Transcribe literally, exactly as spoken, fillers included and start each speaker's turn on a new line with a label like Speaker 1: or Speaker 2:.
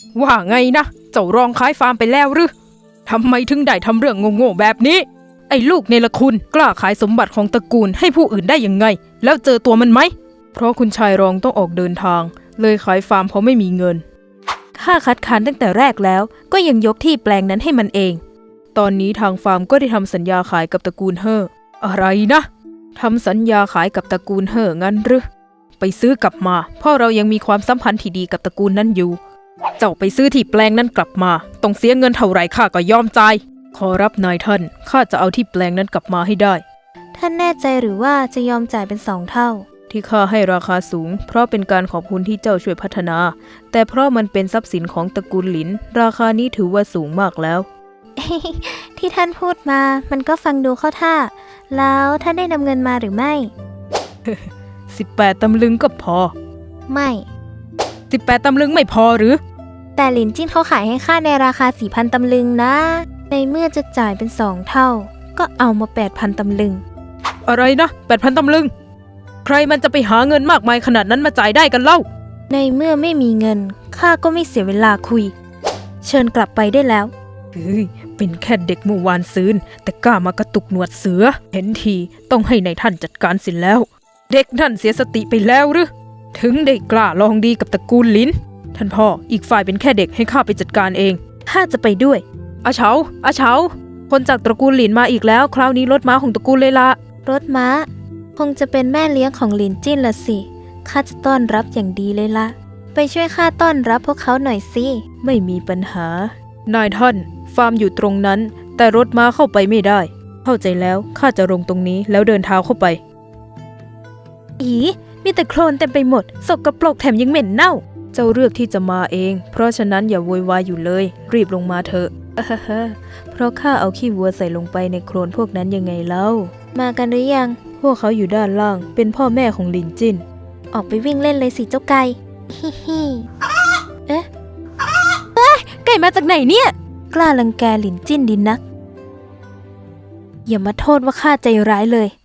Speaker 1: ว่าไงนะเจ้ารองขายฟาร์มไปแล้วหรือทำไมถึงได้ทำเรื่องโง่ๆแบบนี้ไอ้ลูกเนรคุณกล้าขายสมบัติของตระกูลให้ผู้อื่นได้ยังไงแล้วเจอตัวมันไหมเพราะคุณชายรองต้องออกเดินทางเลยขายฟาร์มเพราะไม่มีเงินข้าคัดค้านตั้งแต่แรกแล้วก็ยังยกที่แปลงนั้นให้มันเองตอนนี้ทางฟาร์มก็ได้ทำสัญญาขายกับตระกูลเฮ่ออะไรนะทำสัญญาขายกับตระกูลเฮ่องั้นหรือไปซื้อกลับมาเพราะเรายังมีความสัมพันธ์ที่ดีกับตระกูลนั้นอยู่เจ้าไปซื้อที่แปลงนั้นกลับมาต้องเสียเงินเท่าไรข้าก็ยอมจ่ายขอรับนายท่านข้าจะเอาที่แปลงนั้นกลับมาให้ได้
Speaker 2: ท่านแน่ใจหรือว่าจะยอมจ่ายเป็นสองเท่า
Speaker 1: ที่ข้าให้ราคาสูงเพราะเป็นการขอบคุณที่เจ้าช่วยพัฒนาแต่เพราะมันเป็นทรัพย์สินของตระกูลหลินราคานี้ถือว่าสูงมากแล้ว
Speaker 2: ที่ท่านพูดมามันก็ฟังดูเข้าท่าแล้วท่านได้นำเงินมาหรือไม่
Speaker 1: สิบแปดตำลึงก็พอ
Speaker 2: ไม่
Speaker 1: สิบแปดตำลึงไม่พอหรือ
Speaker 2: แต่หลินจิ้นเขาขายให้ข้าในราคาสี่พันตำลึงนะในเมื่อจะจ่ายเป็นสองเท่าก็เอามาแปดพันตำลึง
Speaker 1: อะไรนะแปดพันตำลึงใครมันจะไปหาเงินมากมายขนาดนั้นมาจ่ายได้กันเล่า
Speaker 2: ในเมื่อไม่มีเงินข้าก็ไม่เสียเวลาคุยเชิญกลับไปได้แล้ว
Speaker 1: เฮ้ยเป็นแค่เด็กเมื่อวานซืนแต่กล้ามากระตุกหนวดเสือเห็นทีต้องให้ในายท่านจัดการสิแล้วเด็กนั่นเสียสติไปแล้วหรือถึงได้กล้าลองดีกับตระกูลลิ้นท่านพ่ออีกฝ่ายเป็นแค่เด็กให้ข้าไปจัดการเอง
Speaker 2: ข้าจะไปด้วย
Speaker 1: อาเฉาอาเฉาคนจากตระกูลหลินมาอีกแล้วคราวนี้รถม้าของตระกูลเลยละ
Speaker 2: รถม้าคงจะเป็นแม่เลี้ยงของหลินจิ้นละสิข้าจะต้อนรับอย่างดีเลยละไปช่วยข้าต้อนรับพวกเขาหน่อยสิ
Speaker 1: ไม่มีปัญหานายท่านฟาร์มอยู่ตรงนั้นแต่รถม้าเข้าไปไม่ได้เข้าใจแล้วข้าจะลงตรงนี้แล้วเดินเท้าเข้าไป
Speaker 2: อีมีแต่โคลนเต็มไปหมดสกปรกแถมยังเหม็นเน่า
Speaker 1: เจ้าเลือกที่จะมาเองเพราะฉะนั้นอย่าโวยวายอยู่เลยรีบลงมาเถอะเพราะข้าเอาขี้วัวใส่ลงไปในโคลนพวกนั้นยังไงเล่า
Speaker 2: มากันหรือยัง
Speaker 1: พวกเขาอยู่ด้านล่างเป็นพ่อแม่ของหลินจิ้น
Speaker 2: ออกไปวิ่งเล่นเลยสิเจ้าไก่ฮิฮิเอ๊ะเอ๊ะไก่มาจากไหนเนี่ยกล้ารังแกหลินจิ้นดินนักอย่ามาโทษว่าข้าใจร้ายเลย